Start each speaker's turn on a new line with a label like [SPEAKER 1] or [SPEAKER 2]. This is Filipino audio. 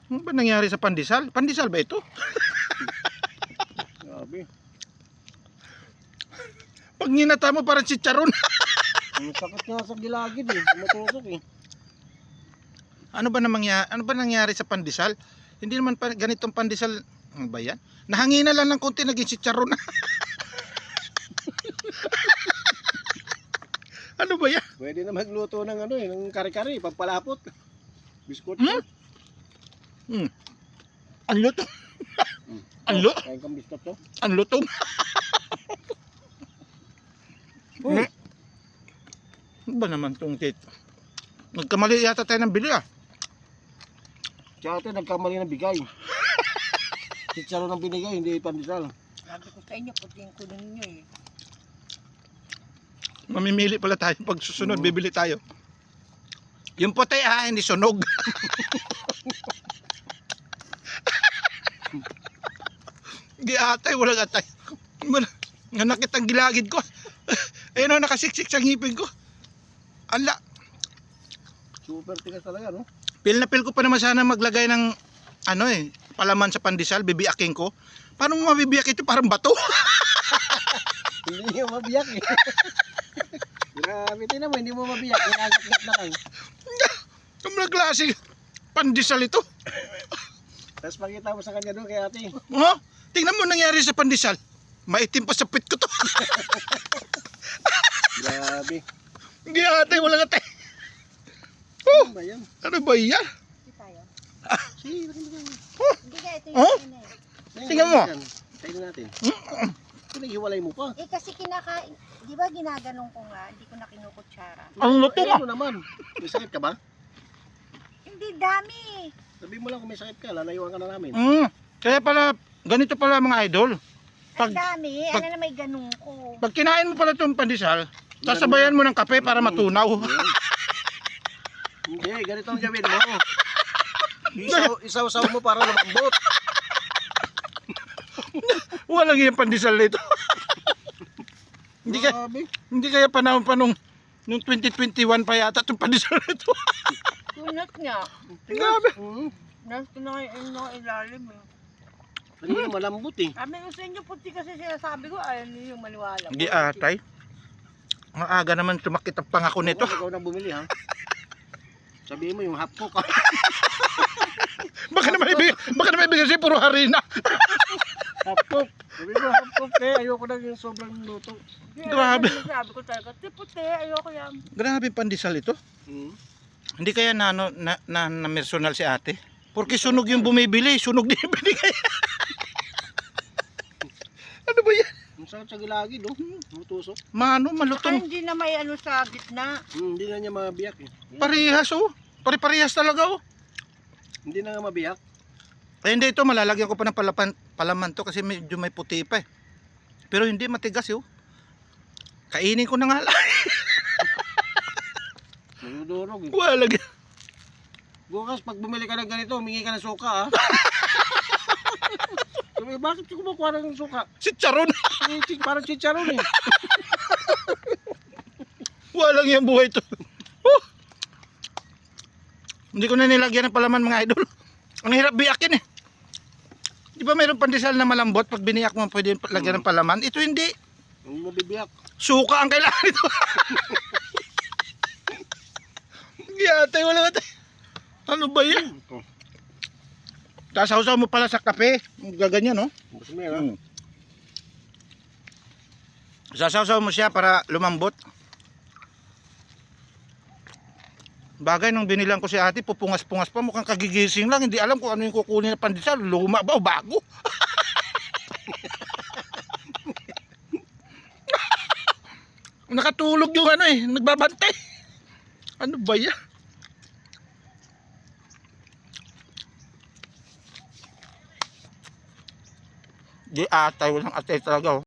[SPEAKER 1] Ano ba nangyari sa pandesal? Pandesal ba ito?
[SPEAKER 2] Grabe.
[SPEAKER 1] Pag ninata mo parang chicharon.
[SPEAKER 2] Ang sakit nga sa gilagid eh. Matusok eh.
[SPEAKER 1] Ano ba nangyari sa pandesal? Hindi naman ganitong pandesal. Ano ba yan? Nahangina lang ng konti, naging chicharon na. Ano ba yan?
[SPEAKER 2] Pwede na magluto ng ano eh, ng kare-kare, pagpalapot. Biskot.
[SPEAKER 1] Ang luto. Ang luto.
[SPEAKER 2] Kain kang biskot to.
[SPEAKER 1] Ang lutong. Ano ba naman itong cake? Nagkamali yata tayo ng bili ah.
[SPEAKER 2] Tsaka ito, nagkamali ng bigay. Chicharon ng binigay, hindi pandesal.
[SPEAKER 3] Sabi ko sa inyo, puting ko ninyo eh.
[SPEAKER 1] Mamimili pala tayo pag susunod, bibili tayo. Yung puti ah, hindi sunog. Giatay, walang atay. Nanakit ang gilagid ko. Ayun o, nakasiksik sa ngipin ko. Ala.
[SPEAKER 2] Super tigas talaga, no?
[SPEAKER 1] Pil na pil ko pa naman sana maglagay ng ano eh, palaman sa pandesal, bibiyakin ko. Paano mo mabibiyak ito? Parang bato.
[SPEAKER 2] Hindi niyo mabiyak eh. Grabe, tinan mo, hindi mo mabiyak. Inagat-gat na lang.
[SPEAKER 1] Ang mga klase pandesal ito.
[SPEAKER 2] Tapos pakita mo sa kanya doon kay ate.
[SPEAKER 1] Oh, tingnan mo nangyari sa pandesal. Maitim pa sa pit ko to.
[SPEAKER 2] Grabe.
[SPEAKER 1] Hindi atay, walang atay.
[SPEAKER 2] Ano ba yan?
[SPEAKER 1] Ano ba yan?
[SPEAKER 3] Hindi tayo.
[SPEAKER 2] Sige, bakit ba yan?
[SPEAKER 3] Hindi ka, ito
[SPEAKER 1] Oh?
[SPEAKER 3] yung oh?
[SPEAKER 1] Tingnan mo.
[SPEAKER 2] Tingnan natin. Pinaghiwalay mo pa.
[SPEAKER 3] Eh kasi kinakain, di ba ginaganong ko nga, hindi ko na kinukutsara.
[SPEAKER 1] Ang luto
[SPEAKER 2] Ano naman? May sakit ka ba?
[SPEAKER 3] Hindi, dami.
[SPEAKER 2] Sabi mo lang kung may sakit ka, lalayuan ka na namin.
[SPEAKER 1] Kaya pala, ganito pala mga idol.
[SPEAKER 3] Ang
[SPEAKER 1] Pag,
[SPEAKER 3] dami,
[SPEAKER 1] pag-
[SPEAKER 3] ano na may ganong ko.
[SPEAKER 1] pag kinain mo pala itong pandesal, sasabayan mo ng kape para matunaw.
[SPEAKER 2] Hindi, ganito ang gawin mo. Isaw-saw mo para lumambot.
[SPEAKER 1] Walang yung pandesal nito.
[SPEAKER 2] Grabe.
[SPEAKER 1] Hindi kaya panahon pa nung 2021 pa yata itong pandesal nito.
[SPEAKER 3] Kunat nga.
[SPEAKER 1] Grabe.
[SPEAKER 3] Nasa na ilalim eh.
[SPEAKER 2] Kanina malambot eh.
[SPEAKER 3] Sabi ko sa inyo, puti kasi sinasabi ko, ayaw niyo yung maniwala.
[SPEAKER 1] Hindi atay. Ang aga naman tumakit ang pangako nito.
[SPEAKER 2] Ikaw na bumili ha. Sabihin mo yung half cook ha.
[SPEAKER 1] Baka naman ibigay siya puro harina.
[SPEAKER 2] Half cook. Sabihin mo half cook eh. Ayoko na yung sobrang luto.
[SPEAKER 1] Grabe.
[SPEAKER 3] Sabi ko talaga, puti, ayoko yan.
[SPEAKER 1] Grabe pandesal ito. Hindi kaya na personal si ate? Porque sunog yung bumibili, sunog din yung binigay. Ano ba yan?
[SPEAKER 2] Ang sakit sa gilagid oh. Mutusok.
[SPEAKER 1] Mano,
[SPEAKER 3] Saka
[SPEAKER 1] malutong.
[SPEAKER 3] hindi na may ano sa gitna.
[SPEAKER 2] Hindi na niya mabiyak eh.
[SPEAKER 1] Parehas oh. Pare-parehas talaga oh.
[SPEAKER 2] Hindi na nga mabiyak.
[SPEAKER 1] Eh hindi ito, malalagyan ko pa ng palaman to kasi medyo may puti pa eh. Pero hindi, matigas oh. Kainin ko na nga lang.
[SPEAKER 2] Nagdurog eh.
[SPEAKER 1] Wala lagyan.
[SPEAKER 2] Bukas pag bumili ka ng ganito, humingi ka ng suka ha. Sabi, bakit ka kumukuha ng suka?
[SPEAKER 1] Si Charon.
[SPEAKER 2] Parang chicharon eh.
[SPEAKER 1] Walang yung buhay to. Hindi ko na nilagyan ng palaman mga idol. Ang hirap biyakin eh. Di ba mayroong pandesal na malambot? Pag biniyak mo pwede lagyan ng palaman. Ito hindi.
[SPEAKER 2] Hindi mo bibiyak.
[SPEAKER 1] Suka ang kailangan ito. Giyatay, wala ka tayo. Ano ba yan? Tasaw-saw mo pala sa kape. Gaganyan no?
[SPEAKER 2] Gusto mo yan ha?
[SPEAKER 1] Sasaw-saw mo siya para lumambot. Bagay nung binilang ko si ate, pupungas-pungas pa, mukhang kagigising lang, hindi alam kung ano yung kukunin na pandesal, luma ba o bago? Nakatulog yung ano eh, nagbabantay. Ano ba yan? Di atay, walang atay talaga oh.